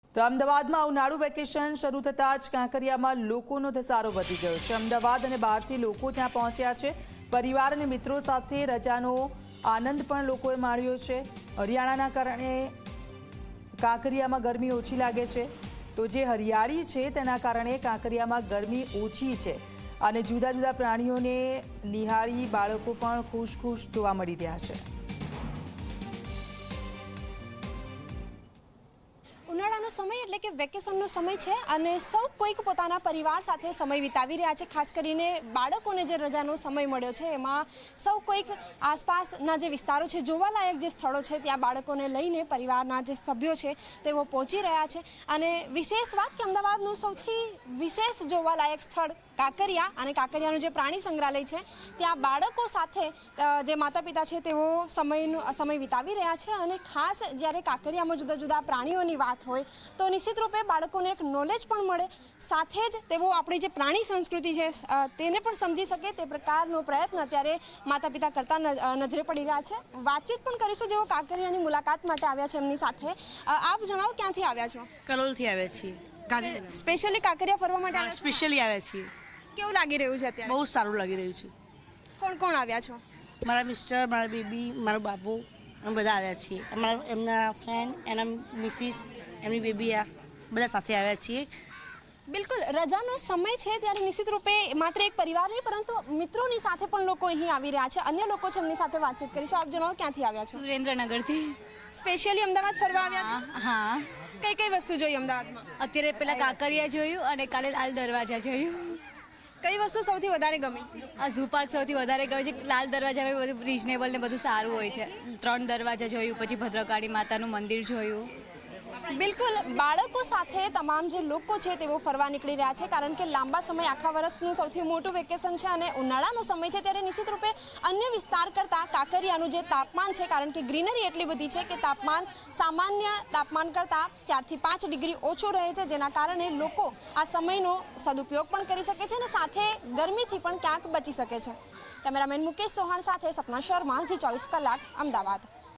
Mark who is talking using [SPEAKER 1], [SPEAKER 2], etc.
[SPEAKER 1] તો અમદાવાદમાં ઉનાળુ વેકેશન શરૂ થતાં જ કાંકરિયામાં લોકોનો ધસારો વધી ગયો છે। અમદાવાદ અને બહારથી લોકો ત્યાં પહોંચ્યા છે। પરિવાર અને મિત્રો સાથે રજાનો આનંદ પણ લોકોએ માણ્યો છે। હરિયાણાના કારણે કાંકરિયામાં ગરમી ઓછી લાગે છે, તો જે હરિયાળી છે તેના કારણે કાંકરિયામાં ગરમી ઓછી છે અને જુદા જુદા પ્રાણીઓને નિહાળી બાળકો પણ ખુશ જોવા મળી રહ્યા છે।
[SPEAKER 2] ઉનાળાનો સમય એટલે કે વેકેશનનો સમય છે અને સૌ કોઈક પોતાના પરિવાર સાથે સમય વિતાવી રહ્યા છે। ખાસ કરીને બાળકોને જે રજાનો સમય મળ્યો છે એમાં સૌ કોઈક આસપાસના જે વિસ્તારો છે, જોવાલાયક જે સ્થળો છે ત્યાં બાળકોને લઈને પરિવારના જે સભ્યો છે તેઓ પહોંચી રહ્યા છે। અને વિશેષ વાત કે અમદાવાદનું સૌથી વિશેષ જોવાલાયક સ્થળ કાંકરિયા અને કાંકરિયાનું જે પ્રાણી સંગ્રહાલય છે ત્યાં બાળકો સાથે જે માતા પિતા છે તેઓ સમય વિતાવી રહ્યા છે। અને ખાસ જ્યારે કાંકરિયામાં જુદા જુદા પ્રાણીઓની વાત હોય તો નિશ્ચિત રૂપે બાળકોને એક નોલેજ પણ મળે, સાથે જ તેઓ આપણી જે પ્રાણી સંસ્કૃતિ છે તેને પણ સમજી શકે તે પ્રકારનો પ્રયત્ન અત્યારે માતા પિતા કરતા નજરે પડી રહ્યા છે। વાતચીત પણ કરીશું જેઓ કાંકરિયાની મુલાકાત માટે આવ્યા છે એમની સાથે। આપ જણાવો, ક્યાંથી આવ્યા છો?
[SPEAKER 3] કલોલથી આવ્યા છીએ।
[SPEAKER 2] સ્પેશિયલી કાંકરિયા ફરવા માટે આવ્યા છો?
[SPEAKER 3] સ્પેશિયલી આવ્યા છીએ।
[SPEAKER 2] કેવું લાગી રહ્યું છે અત્યારે?
[SPEAKER 3] બહુ સારું લાગી રહ્યું છે।
[SPEAKER 2] કોણ કોણ આવ્યા છો?
[SPEAKER 3] મારા મિસ્ટર, મારા બેબી, મારો બાબુ, અમે બધા આવ્યા છીએ। એમના ફ્રેન્ડ, એના મિસિસ, એમની બેબી, આ બધા સાથે આવ્યા છીએ।
[SPEAKER 2] બિલકુલ, રજાનો સમય છે ત્યારે નિશ્ચિત રૂપે માત્ર એક પરિવાર નહીં પરંતુ મિત્રોની સાથે પણ લોકો અહીં આવી રહ્યા છે। અન્ય લોકો છે એમની સાથે વાતચીત કરીશું। આપ જણાવો, ક્યાંથી આવ્યા છો?
[SPEAKER 4] સુરેન્દ્રનગરથી।
[SPEAKER 2] સ્પેશિયલી અમદાવાદ ફરવા આવ્યા છો?
[SPEAKER 4] હા।
[SPEAKER 2] કઈ કઈ વસ્તુ જોઈ અમદાવાદમાં?
[SPEAKER 4] અત્યારે પેલા કાંકરિયા જોયું અને કાલે લાલ દરવાજા જોયું।
[SPEAKER 2] કઈ વસ્તુ સૌથી વધારે ગમી?
[SPEAKER 4] આ ઝૂ પાર્ક સૌથી વધારે ગમે છે। લાલ દરવાજામાં બધું રિઝનેબલ ને બધું સારું હોય છે। 3 દરવાજા જોયું, પછી ભદ્રકાળી માતાનું મંદિર જોયું।
[SPEAKER 2] બિલકુલ, બાળકો સાથે તમામ જે લોકો છે તેઓ ફરવા નીકળી રહ્યા છે કારણ કે લાંબા સમય આખા વર્ષનું સૌથી મોટું વેકેશન છે અને ઉનાળાનો સમય છે ત્યારે નિશ્ચિત રૂપે અન્ય વિસ્તાર કરતાં કાંકરિયાનું જે તાપમાન છે, કારણ કે ગ્રીનરી એટલી બધી છે કે તાપમાન સામાન્ય તાપમાન કરતાં 4 થી 5 ડિગ્રી ઓછું રહે છે, જેના કારણે લોકો આ સમયનો સદુપયોગ પણ કરી શકે છે અને સાથે ગરમીથી પણ ક્યાંક બચી શકે છે। કેમેરામેન મુકેશ ચૌહાણ સાથે સપના શર્મા, ઝી 24 કલાક, અમદાવાદ।